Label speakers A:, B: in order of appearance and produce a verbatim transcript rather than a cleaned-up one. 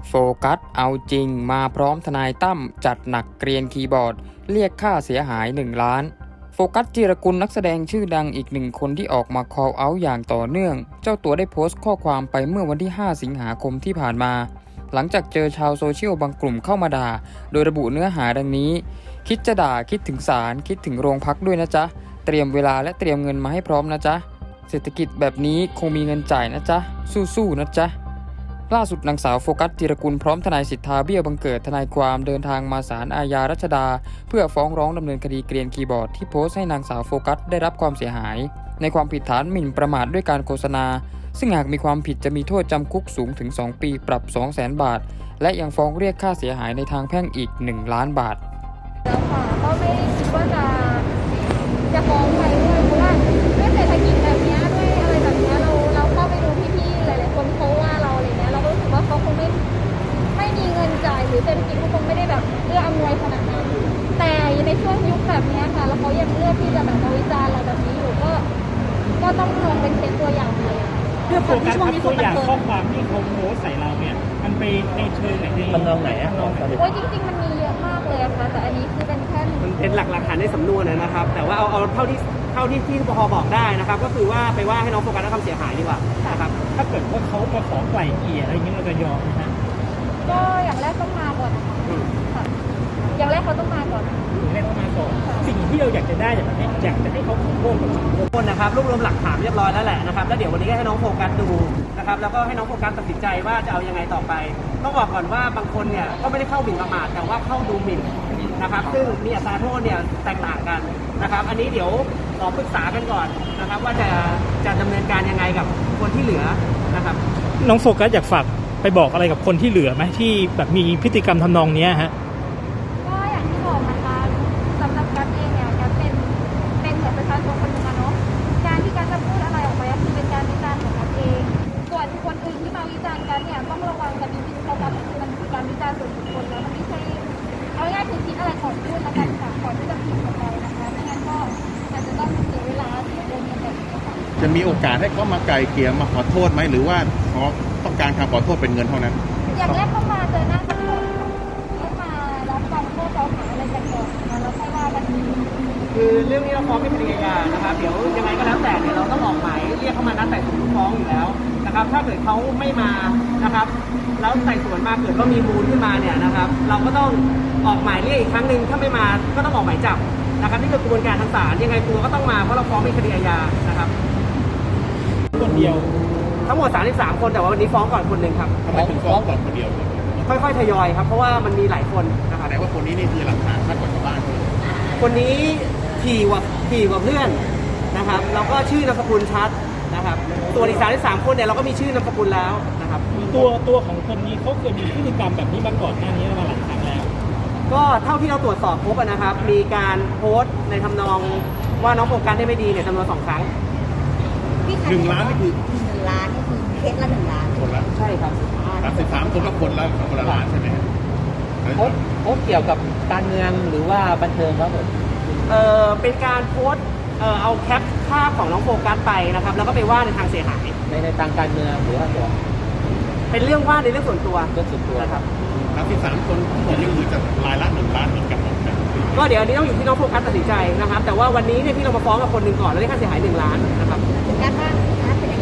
A: โฟกัสเอาจริงมาพร้อมทนายตั้มจัดหนักเกรียนคีย์บอร์ดเรียกค่าเสียหายหนึ่งล้านโฟกัสจิรกุลนักแสดงชื่อดังอีกหนึ่งคนที่ออกมา call out อย่างต่อเนื่องเจ้าตัวได้โพสต์ข้อความไปเมื่อวันที่ห้าสิงหาคมที่ผ่านมาหลังจากเจอชาวโซเชียลบางกลุ่มเข้ามาด่าโดยระบุเนื้อหาดังนี้คิดจะด่าคิดถึงศาลคิดถึงโรงพักด้วยนะจ๊ะเตรียมเวลาและเตรียมเงินมาให้พร้อมนะจ๊ะเศรษฐกิจแบบนี้คงมีเงินจ่ายนะจ๊ะสู้ๆนะจ๊ะล่าสุดนางสาวโฟกัสจิรกุลพร้อมทนายสิทธาเบี้ยบังเกิดทนายความเดินทางมาศาลอาญารัชดาเพื่อฟ้องร้องดำเนินคดีเกรียนคีย์บอร์ดที่โพสต์ให้นางสาวโฟกัสได้รับความเสียหายในความผิดฐานหมิ่นประมาทด้วยการโฆษณาซึ่งหากมีความผิดจะมีโทษจำคุกสูงถึงสองปีปรับ สองแสน บาทและยังฟ้องเรียกค่าเสียหายในทางแพ่งอีกหนึ่งล้านบาท
B: แล้วค่ะก็ไม่ได้คิดว่าจะจะฟ้องใครด้วยเพราะว่าด้วยเศรษฐกิจแบบนี้ด้วยอะไรแบบนี้เราเราเข้าไปดูพี่ๆหลายๆคนเขาว่าเราอะไรเงี้ยเราก็รู้สึกว่าเขาคงไม่ไม่มีเงินจ่ายหรือเศรษฐกิจเขาคงไม่ได้แบบเอื้ออำนวยขนาดนั้นแต่ในช่วงยุคแบบนี้ค่ะแล้วเขายังเลือกที่จะแบบมาวิจารณ์เราแบบนี้อยู่ก็ก็ต้องลองเป็นเคสตัวอย่างเลย
C: เพื่อโฟกัสครับตัวอย่างข้อความที่เขาโพสใส่เราเนี่ยมันไปในเชิงไหนใน
D: ทำนองไหนอ่ะ
B: โอ้ยจริงๆมันมีเยอะมากเลยค่ะแต่อันนี้คือเป็นแค่
E: มันเป็นหลักหลักฐานในสำนวนนะครับแต่ว่าเอาเอาเท่าที่เท่าที่ที่ปภบอกได้นะครับก็คือว่าไปว่าให้น้องโฟกัสรับความเสียหายดีกว่านะครับ
C: ถ้าเกิดว่าเขามาขอไกล่เกลี่ยอะไรอย่างนี้เราจะยอมไหมฮะ
B: ก็อย่างแรกต้องมาก่อนนะคะค่ะอย่างแรกเขาต้องมาก่อน
C: อย่างแรกต้องมาก่อนสิ่งที่เราอยากจะได้อย่างนี้อยากจะให้เขาขอโทษกับสังคม
E: คนนะครับรวบรวมหลักฐานเรียบร้อยแล้วแหละนะครับแล้วเดี๋ยววันนี้ก็ให้น้องโฟกัสดูนะครับแล้วก็ให้น้องโฟกัสตัดสินใจว่าจะเอายังไงต่อไปต้องบอกก่อนว่าบางคนเนี่ยก็ไม่ได้เข้าหมิ่นประมาทแต่ว่าเข้าดูหมิ่นนะครับซึ่งมีอัตราโทษเนี่ยแตกต่างกันนะครับอันนี้เดี๋ยวขอปรึกษากันก่อนนะครับว่าจะจะดำเนินการยังไงกับคนที่เหลือนะครับ
C: น้องโฟกัสอยากฝากไปบอกอะไรกับคนที่เหลือไหมที่แบบมีพฤติกรรมทำนองนี้ฮะ
B: ก็อย่างที่บอกนะคะสำหรับกัสเองเนี่ยกัสเป็นเป็นเหมือนประชาชนคนหนึ่งอะเนาะการที่กัสจะพูดอะไรออกไปก็คือเป็นการวิจารณ์ของกัสเองส่วนคนอื่นที่มาวิจารณ์กัสเนี่ยต้องระวังกันจริงๆเพราะกัสคือมันคือการวิจารณ์ส่วนบุคคลแล้วมันไม่ใช่เอาง่ายๆคือคิดอะไรก่อนพูดแล้วกันค่ะก่อนที่จะพิมพ์ออกไปนะคะไม่งั้นก็อาจจะต้องเสียเวลาเสียเงินกันแบบนี้ค่ะ
D: จะมีโอกาสให้เขามาไกลเกลี่ยมาขอโทษไหมหรือว่าเขาต้องการคำขอโทษเป็นเงินเท่านั้น
B: อย่างแรกต้องมาเจอหน้ากันก่อนต้องมารับฟังข้อกล่าวหาอะไรกันก่อนนะคะแล้วค่อยว่ากัน
E: คือเรื่องนี้เราฟ้องเป็นคดีอาญานะครับเดี๋ยวยังไงก็แล้วแต่เนี่ยเราต้องออกหมายเรียกเขามานัดไต่สวนฟ้องอยู่แล้วนะครับถ้าเกิดเขาไม่มานะครับแล้วไต่สวนมาเกิดว่ามีมูลขึ้นมาเนี่ยนะครับเราก็ต้องออกหมายเรียกอีกครั้งหนึ่งถ้าไม่มาก็ต้องออกหมายจับนะครับนี่คือกระบวนการทางศาลยังไงตัวก็ต้องมาเพราะเราฟ้องเป็นคดีอาญานะครับ
C: คนเดียว
E: ทั้งหมดสามสิบสามคนแต่ว่าวันนี้ฟ้องก่อนคนหนึ่งครับ
D: ทำไมถึงฟ้องก่อนคนเดียว
E: ค่อยๆทยอยครับเพราะว่ามันมีหลายคนนะครับ
D: แต่ว่าคนนี้นี่คือหลักฐานชัดกว่าชาวบ้าน
E: คนนี้ถี่กว่าถี่กว่าเพื่อนนะครับแล้วก็ชื่อนามสกุลชัดนะครับตัวอีกสามสิบสามคนเนี่ยเราก็มีชื่อนามสกุลแล้วนะครับ
C: ตัวตัวของคนนี้เขาเคยมีพฤติกรรมแบบนี้มาก่อนหน้านี้มาหลายครั้งแล้ว
E: ก็เท่าที่เราตรวจสอบพบนะครับมีการโพสต์ในทำนองว่าน้องโฟกัสได้ไม่ดีเนี่ยจำนวนสองครั้ง
D: หนึ่งล้านนี่คือ
B: หนึ่งล้านนี่คือเคสละหนึ่งล้าน
D: คนละ
E: ใช่ครับ
D: สามสิบสามคนละคนละคนละล้านใช่ไหม
F: โพสโพสเกี่ยวกับการเมืองหรือว่าบันเทิงครับผม
E: เออเป็นการโพสต์เออเอาแคปภาพของน้องโฟกัสไปนะครับแล้วก็ไปว่าในทางเสียหาย
F: ในในทางการเมืองหรือว่าตัว
E: เป็นเรื่องว่าในเรื่องส่วนตัว
F: เรื่องส่วนตัว
E: นะครับ
D: สามสิบสามคนทั้งหมดนี่คือจะรายละหนึ่งล้านเหมือนกันหมด
E: ก็เดี๋ยวอันนี้ต้องอยู่ที่น้องโฟกัสตัดสินใจนะครับแต่ว่าวันนี้เนี่ยที่เรามาฟ้องกับคนหนึ่งก่อนแล้วได้ค่าเสียหายหนึ่งล้านนะครับ
B: การบ้าน